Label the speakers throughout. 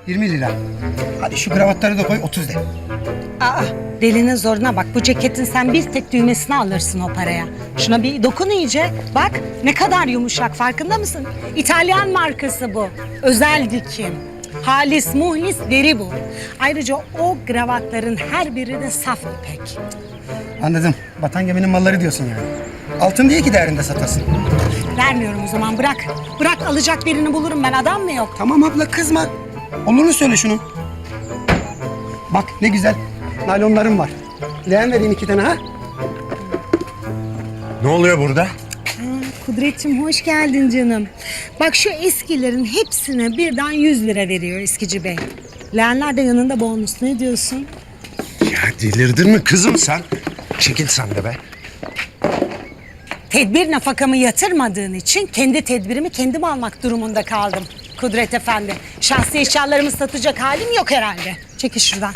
Speaker 1: 20 lira. Hadi şu kravatları da koy 30 de.
Speaker 2: Aa, delinin zoruna bak. Bu ceketin sen bir tek düğmesini alırsın o paraya. Şuna bir dokun iyice. Bak ne kadar yumuşak, farkında mısın? İtalyan markası bu. Özel dikim. Halis muhlis deri bu. Ayrıca o kravatların her biri de saf ipek.
Speaker 1: Anladım. Batan geminin malları diyorsun yani. Altın diye ki değerinde satasın.
Speaker 2: Vermiyorum o zaman, bırak. Bırak, alacak birini bulurum ben, adam mı yok?
Speaker 1: Tamam abla kızma. Olurunu söyle şunun. Bak ne güzel. Naylonlarım var. Leğen vereyim 2 tane ha.
Speaker 3: Ne oluyor burada?
Speaker 2: Kudretciğim hoş geldin canım. Bak şu eskilerin hepsine birden 100 lira veriyor eskici bey. Leğenler de yanında bonus, ne diyorsun?
Speaker 3: Ya delirdin mi kızım sen? Çekil sen de be.
Speaker 2: Tedbir nafakamı yatırmadığın için kendi tedbirimi kendim almak durumunda kaldım. Kudret Efendi, şahsi eşyalarımı satacak halim yok herhalde. Çekil şuradan.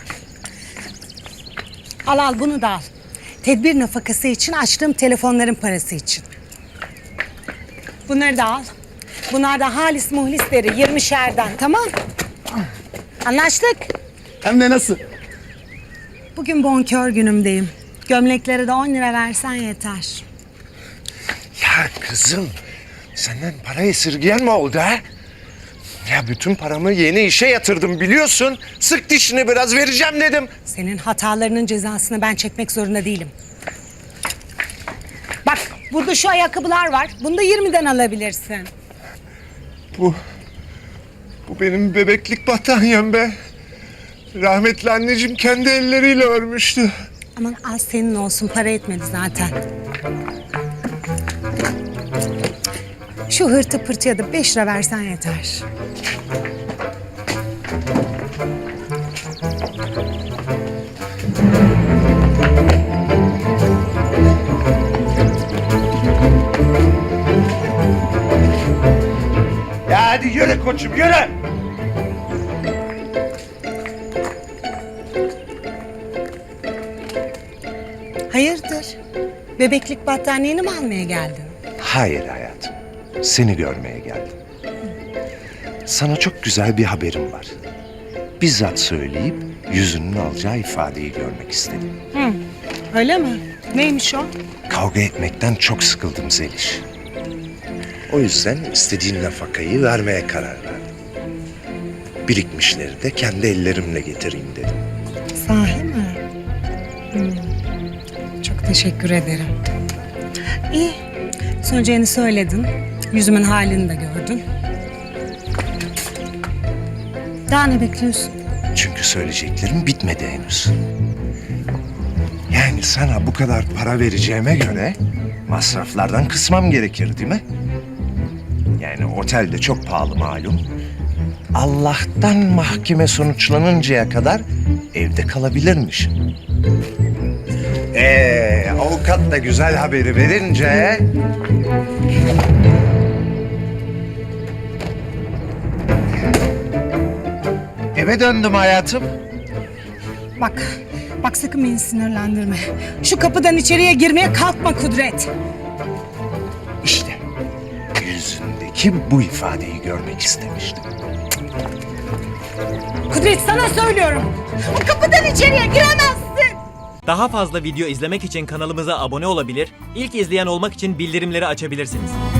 Speaker 2: Al bunu da al. Tedbir nafakası için açtığım telefonların parası için. Bunları da al. Bunlar da halis muhlisleri 20'şerden, tamam? Anlaştık.
Speaker 1: Hem de nasıl?
Speaker 2: Bugün bonkör günümdeyim. Gömleklere de 10 lira versen yeter.
Speaker 3: Ya kızım, senden para esirgeyen mi oldu ha? Ya bütün paramı yeni işe yatırdım biliyorsun. Sık dişini biraz vereceğim dedim.
Speaker 2: Senin hatalarının cezasını ben çekmek zorunda değilim. Bak burada şu ayakkabılar var. Bunu da 20'den alabilirsin.
Speaker 3: Bu benim bebeklik battaniyem be. Rahmetli anneciğim kendi elleriyle örmüştü.
Speaker 2: Aman az senin olsun, para etmedi zaten. Şu hırtı pırtıya da 5 lira versen yeter.
Speaker 3: Ya hadi yürü koçum yürü.
Speaker 2: Hayırdır? Bebeklik battaniyeni mi almaya geldin?
Speaker 3: Hayır hayatım. Seni görmeye geldim. Sana çok güzel bir haberim var. Bizzat söyleyip yüzünün alacağı ifadeyi görmek istedim.
Speaker 2: Öyle mi? Neymiş o?
Speaker 3: Kavga etmekten çok sıkıldım Zeliş. O yüzden istediğin nafakayı vermeye karar verdim. Birikmişleri de kendi ellerimle getireyim dedim.
Speaker 2: Sahi mi? Çok teşekkür ederim. İyi. Söyleyeceğini söyledin. Yüzümün halini de gördün. Daha ne bekliyorsun?
Speaker 3: Çünkü söyleyeceklerim bitmedi henüz. Yani sana bu kadar para vereceğime göre masraflardan kısmam gerekir değil mi? Yani otel de çok pahalı malum. Allah'tan mahkeme sonuçlanıncaya kadar evde kalabilirmiş. Avukat da güzel haberi verince... Eve döndüm hayatım.
Speaker 2: Bak sakın beni sinirlendirme. Şu kapıdan içeriye girmeye kalkma Kudret.
Speaker 3: İşte yüzündeki bu ifadeyi görmek istemiştim.
Speaker 2: Kudret sana söylüyorum. O kapıdan içeriye giremezsin.
Speaker 4: Daha fazla video izlemek için kanalımıza abone olabilir, ilk izleyen olmak için bildirimleri açabilirsiniz.